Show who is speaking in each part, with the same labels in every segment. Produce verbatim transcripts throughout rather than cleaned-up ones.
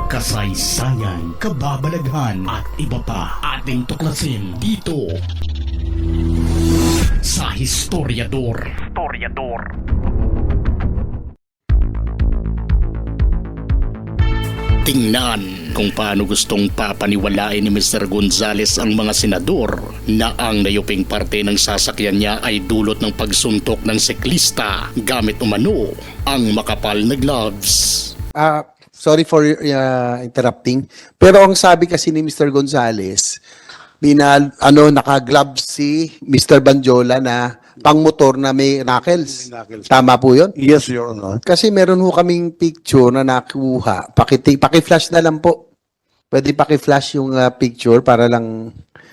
Speaker 1: kasaysayan, kababalaghan at iba pa ating tuklasin dito sa Historiador. Historiador. Tingnan kung paano gustong papaniwalain ni mister Gonzales ang mga senador na ang nayuping parte ng sasakyan niya ay dulot ng pagsuntok ng siklista gamit umano ang makapal na gloves.
Speaker 2: Ah, sorry for uh, interrupting. Pero ang sabi kasi ni mister Gonzales, binal, ano, naka-gloves si mister Banjola na pang-motor na may knuckles. Tama po yun?
Speaker 3: Yes, Your Honor.
Speaker 2: Kasi meron ho kaming picture na nakuha. Paki, paki-flash na lang po. Pwede paki-flash yung uh, picture para lang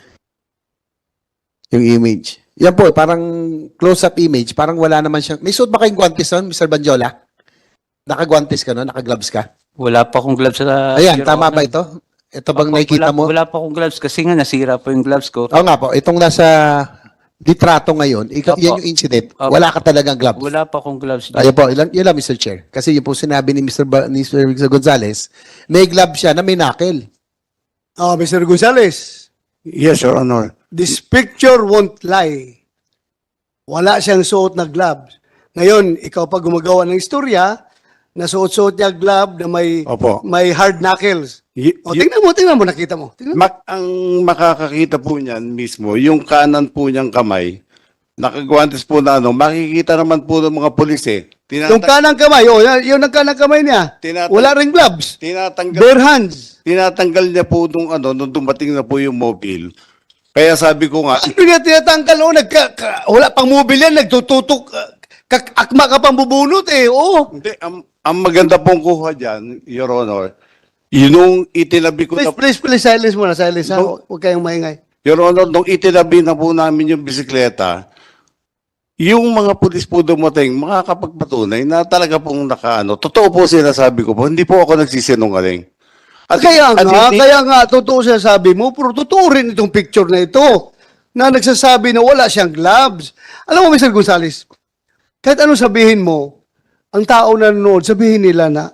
Speaker 2: yung image. Yan po, parang close-up image. Parang wala naman siya. May suot ba kayong guantes nun, mister Banjola? Naka-guantes ka nun? Naka-gloves ka?
Speaker 4: Wala pa akong gloves sa...
Speaker 2: Ayan,
Speaker 4: Your
Speaker 2: tama
Speaker 4: Honor.
Speaker 2: ba ito? Ito bang
Speaker 4: Opo,
Speaker 2: nakikita
Speaker 4: wala,
Speaker 2: mo?
Speaker 4: Wala pa akong gloves kasi nga nasira po yung gloves ko.
Speaker 2: Oo nga po, itong nasa litrato ngayon, ikaw,
Speaker 4: Opo.
Speaker 2: yan yung incident.
Speaker 4: Opo.
Speaker 2: Wala ka talagang gloves.
Speaker 4: Wala pa akong gloves.
Speaker 2: Ayun po, ilan, yun lang, mister Chair. Kasi yun po sinabi ni mister Ba, ni mister Gonzales, may glove siya na may knuckle.
Speaker 5: Ah, mister Gonzales,
Speaker 3: Yes, Your Honor.
Speaker 5: this picture won't lie. Wala siyang suot na gloves. Ngayon, ikaw pa gumagawa ng istorya, nasuot-suot niya glove na may
Speaker 3: Opo.
Speaker 5: may hard knuckles.
Speaker 3: Y-
Speaker 5: O,
Speaker 3: y-
Speaker 5: tingnan mo, tingnan mo, nakita mo. Tingnan mo.
Speaker 3: mak- ang makakakita po niyan mismo, yung kanan po niyang kamay, nakagwantes po na ano, makikita naman po ng mga pulis eh.
Speaker 5: Yung
Speaker 3: Tinata-
Speaker 5: kanang kamay, oh, yan- yun ang kanang kamay niya.
Speaker 3: Tinata-
Speaker 5: Wala ring gloves.
Speaker 3: tinatanggal,
Speaker 5: Bare hands.
Speaker 3: tinatanggal niya po nung ano, nung dumating na po yung mobile. Kaya sabi ko nga,
Speaker 5: Ano niya tinatanggal? Oh, nagka, ka- wala pang mobile yan, nagtututok. uh, kak- akma ka pang bubunot eh, oh.
Speaker 3: hindi, ang, ang maganda pong kuha dyan, Your Honor, yun itinabi ko
Speaker 5: Please,
Speaker 3: na,
Speaker 5: please, please, silence muna, silence ha.
Speaker 3: No.
Speaker 5: Huwag kayong maingay.
Speaker 3: Your Honor, nung itinabi na po namin yung bisikleta, yung mga pulis po dumating, makakapagpatunay na talaga pong nakaano. Totoo po sinasabi ko po, hindi po ako nagsisinungaling. At,
Speaker 5: Kaya
Speaker 3: at
Speaker 5: nga,
Speaker 3: hindi-
Speaker 5: kaya nga, totoo siya sabi mo, pero totoo rin itong picture na ito, na nagsasabi na wala siyang gloves. Alam mo, mister Gonzales, kahit ano sabihin mo, ang tao na nanonood, sabihin nila na,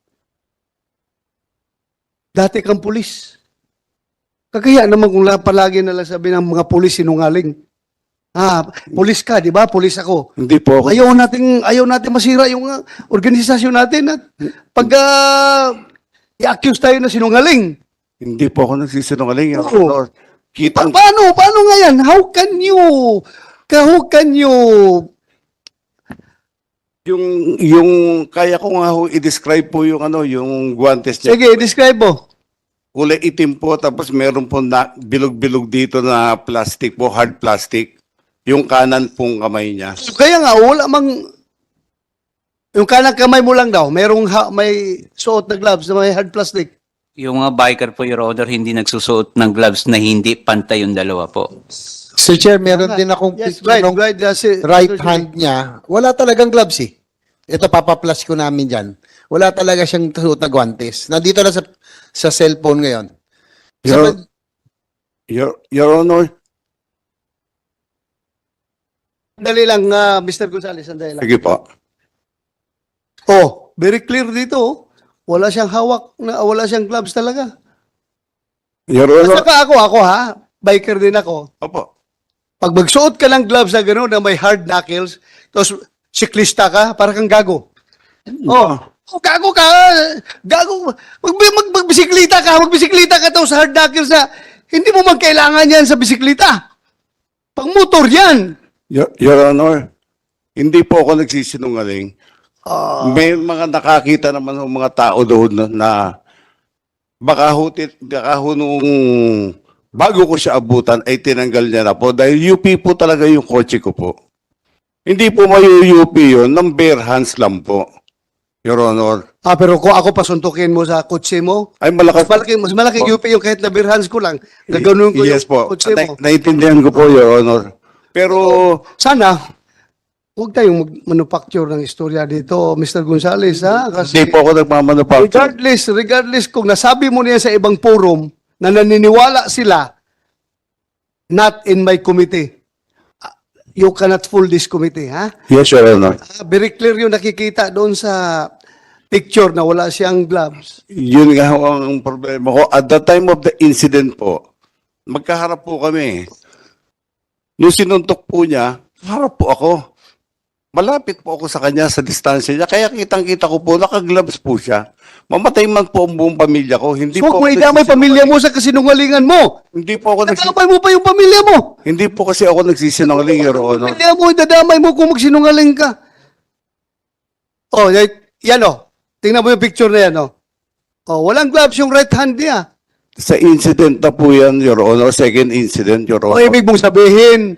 Speaker 5: dati kang pulis. Kagaya naman kung la- palagi nalang sabi ng mga pulis sinungaling. Ah, pulis ka, di ba? Pulis ako.
Speaker 3: Hindi po ako.
Speaker 5: Ayaw natin, ayaw natin masira yung uh, organisasyon natin at pag uh, i-accuse tayo na sinungaling.
Speaker 3: Hindi po ako nagsisinungaling, Your
Speaker 5: Oo.
Speaker 3: Honor.
Speaker 5: Pa-
Speaker 3: Kitang,
Speaker 5: paano? Paano nga yan? How can you, ka- how can you,
Speaker 3: yung, yung, kaya ko nga ho i-describe po yung ano, yung guantes niya.
Speaker 5: sige, describe mo.
Speaker 3: Kulay itim po, tapos meron po na bilog-bilog dito na plastic po, hard plastic. Yung kanan pong kamay niya.
Speaker 5: Kaya nga, wala mang, yung kanang kamay mo lang daw, merong ha- may suot na gloves na may hard plastic.
Speaker 4: Yung mga biker po, Your Honor, hindi nagsusuot ng gloves na hindi pantay yung dalawa po.
Speaker 2: Sir Chair, meron din akong
Speaker 5: Yes,
Speaker 2: picture
Speaker 5: right,
Speaker 2: ng
Speaker 5: right. That's it.
Speaker 2: right hand niya. Wala talagang gloves eh. Ito, papaplas ko namin dyan. Wala talaga siyang suot na guantes. Nandito na sa, sa cellphone ngayon.
Speaker 3: Your,
Speaker 2: Sa-
Speaker 3: Your, Your Honor,
Speaker 5: Sandali lang, ah, mister Gonzales, sandali lang.
Speaker 3: sige po.
Speaker 5: Oh, very clear dito. oh. Wala siyang hawak, na, wala siyang gloves talaga.
Speaker 3: Your
Speaker 5: At
Speaker 3: Honor,
Speaker 5: saka ako, ako ha, biker din ako.
Speaker 3: opo.
Speaker 5: Pag magsuot ka ng gloves na gano'n na may hard knuckles, tapos siklista ka, para kang gago. Oh, oh gago ka. Gago. Mag, mag, magbisiklita ka, magbisiklita ka daw sa hard knuckles na hindi mo man kailangan yan sa bisiklita. Pang motor yan.
Speaker 3: Your, Your Honor, hindi po ako nagsisinungaling. May mga nakakita naman ng mga tao doon na, na baka hutit, baka ho nung bago ko siya abutan ay tinanggal niya na po dahil U P po talaga yung kotse ko po. Hindi po may U P yun, ng bare hands lang po, Your Honor.
Speaker 5: Ah, pero kung ako pasuntukin mo sa kotse mo,
Speaker 3: Ay malakas.
Speaker 5: mas malaki, mas malaki U P yung kahit na beer hands ko lang. Gaganon ko
Speaker 3: Yes
Speaker 5: yung
Speaker 3: po,
Speaker 5: kotse mo.
Speaker 3: Na, naiintindihan ko po, Your Honor. Pero,
Speaker 5: Sana, huwag tayong mag-manufacture ng istorya dito, mister Gonzales, ha? Kasi
Speaker 3: hindi po ako nagmamanufacture.
Speaker 5: regardless, regardless kung nasabi mo niya sa ibang forum na naniniwala sila, not in my committee, uh, you cannot fool this committee, ha?
Speaker 3: Yes, Your Honor.
Speaker 5: Ah, very clear yung nakikita doon sa picture na wala siyang gloves.
Speaker 3: Yun nga ho ang problema ko. At the time of the incident po, magkaharap po kami. Nung sinuntok po niya, harap po ako. Malapit po ako sa kanya sa distansya niya. Kaya kitang-kita ko po, naka-gloves po siya. Mamatay man po ang buong pamilya ko. Hindi
Speaker 5: So,
Speaker 3: po
Speaker 5: kung
Speaker 3: ako
Speaker 5: idamay
Speaker 3: nagsisinungaling.
Speaker 5: pamilya mo sa kasinungalingan mo,
Speaker 3: Hindi po ako nagsisinungaling.
Speaker 5: nadamay mo pa yung pamilya mo.
Speaker 3: Hindi po kasi ako nagsisinungaling, Your Honor.
Speaker 5: Pamilya mo, idadamay mo kung magsinungaling ka. Oh, y- yan o. Tingnan mo yung picture na yan o. Oh, walang gloves yung right hand niya.
Speaker 3: Sa incident na po yan, Your Honor. Second incident, Your
Speaker 5: O
Speaker 3: Honor.
Speaker 5: ibig mong sabihin,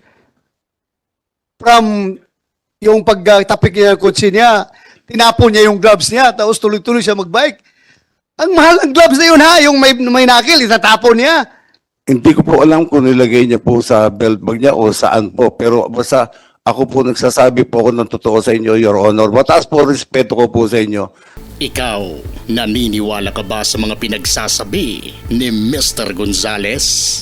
Speaker 5: from yung pagtapik niya ng kotse niya, tinapon niya yung gloves niya, tapos tuloy-tuloy siya magbike. Ang mahal ng gloves na yun ha, yung may, may nakil, itatapon niya.
Speaker 3: Hindi ko po alam kung nilagay niya po sa belt bag niya o saan po. Pero basta ako po nagsasabi po ako ng totoo sa inyo, Your Honor. Mataas po respeto ko po sa inyo.
Speaker 1: Ikaw, naniniwala ka ba sa mga pinagsasabi ni Mister Gonzales?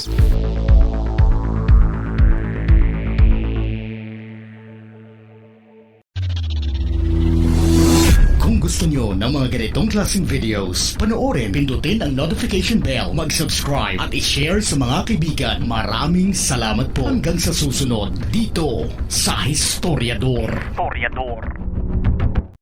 Speaker 1: Kung gusto nyo ng mga ganitong klaseng videos, panoorin, pindutin ang notification bell, mag-subscribe at i-share sa mga kaibigan. Maraming salamat po hanggang sa susunod dito sa Historiador. Historiador.